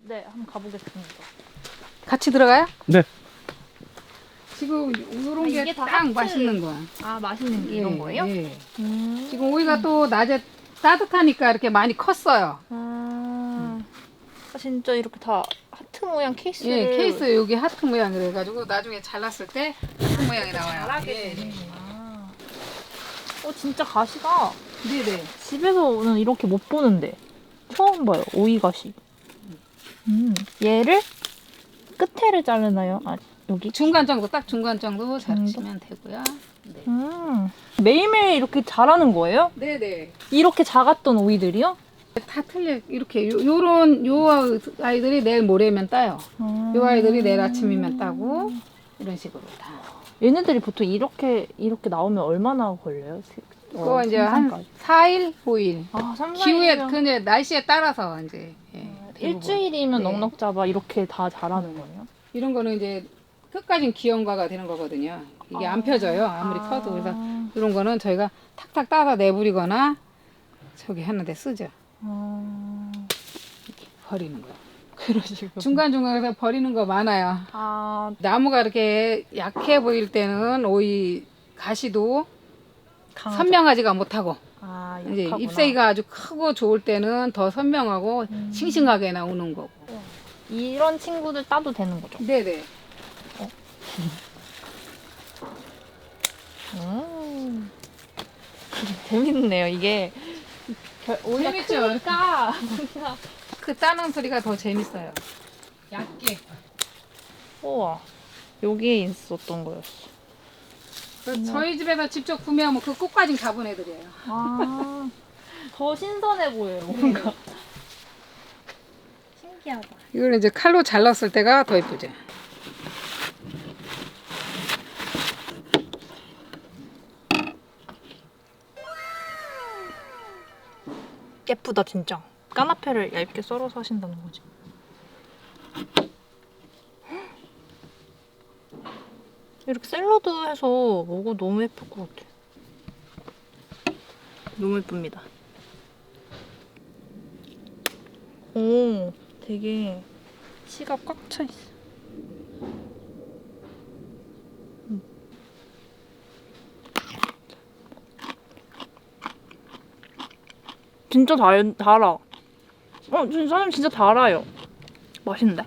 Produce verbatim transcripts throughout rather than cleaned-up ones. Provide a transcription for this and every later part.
네, 한번 가보겠습니다. 같이 들어가요? 네. 지금 이런 아, 게 이게 다 딱 하트. 맛있는 거야. 아, 맛있는 게 이런 예, 거예요? 예. 음. 지금 오이가 또 낮에 따뜻하니까 이렇게 많이 컸어요. 아, 아, 진짜 이렇게 다 하트 모양 케이스를 예, 케이스 여기 하트 모양 그래가지고 나중에 잘랐을 때 하트 모양이 나와요. 잘하게 예. 되는구나. 어, 진짜 가시가 네네. 집에서는 이렇게 못 보는데 처음 봐요. 오이 가시. 음, 얘를 끝에를 자르나요? 아, 여기? 중간 정도 딱 중간 정도 정도? 자르시면 되고요. 네. 음, 매일매일 이렇게 자라는 거예요? 네네. 이렇게 작았던 오이들이요? 다 틀려. 이렇게 요, 요런 요 아이들이 내일 모레면 따요. 음. 요 아이들이 내일 아침이면 따고 이런 식으로 다. 얘네들이 보통 이렇게 이렇게 나오면 얼마나 걸려요? 그거 어, 이제 생산까지? 한 사 일, 오 일. 아, 삼, 사 기후에 일이면 그 이제 날씨에 따라서 이제 예, 대부분. 일주일이면 네. 넉넉 잡아 이렇게 다 자라는 거예요? 이런 거는 이제 끝까지 기형과가 되는 거거든요. 이게 안 펴져요. 아무리 커도. 그래서 이런 거는 저희가 탁탁 따서 내버리거나 저기 하는데 쓰죠. 아, 이렇게 버리는 거. 그러시고. 중간중간에서 버리는 거 많아요. 아, 나무가 이렇게 약해 보일 때는 오이 가시도 강하죠. 선명하지가 못하고 아, 이제 약하구나. 잎사귀가 아주 크고 좋을 때는 더 선명하고 음. 싱싱하게 나오는 거고. 이런 친구들 따도 되는 거죠? 네네. 음. 재밌네요, 이게. 오히려 재밌죠? 크니까. 그 따는 소리가 더 재밌어요. 얇게. 우와, 여기에 있었던 거였어. 그 저희 집에서 직접 구매하면 그 꽃까지 다 보내드려요. 아, 더 신선해 보여요, 뭔가. 신기하다. 이걸 이제 칼로 잘랐을 때가 더 예쁘죠. 예쁘다, 진짜. 까나페를 얇게 썰어서 하신다는 거지. 이렇게 샐러드 해서 먹어도 너무 예쁠 것 같아. 너무 예쁩니다. 오, 되게 씨가 꽉 차 있어. 음. 진짜 달, 달아. 어, 진짜 사장님 진짜 달아요. 맛있는데?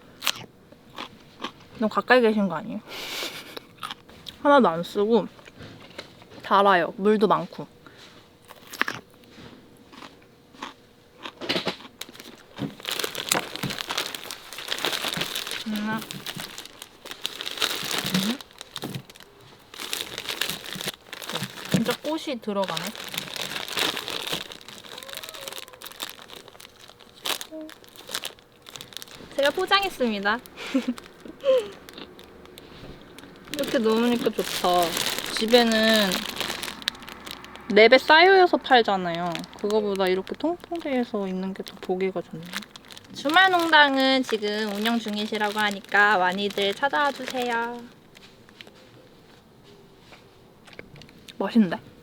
너무 가까이 계신 거 아니에요? 하나도 안 쓰고 달아요. 물도 많고. 음. 음. 진짜 꽃이 들어가네. 제가 포장했습니다. 이렇게 넣으니까 좋다. 집에는 랩에 쌓여서 팔잖아요. 그거보다 이렇게 통통해서 있는 게 더 보기가 좋네요. 주말 농장은 지금 운영 중이시라고 하니까 많이들 찾아와 주세요. 맛있는데?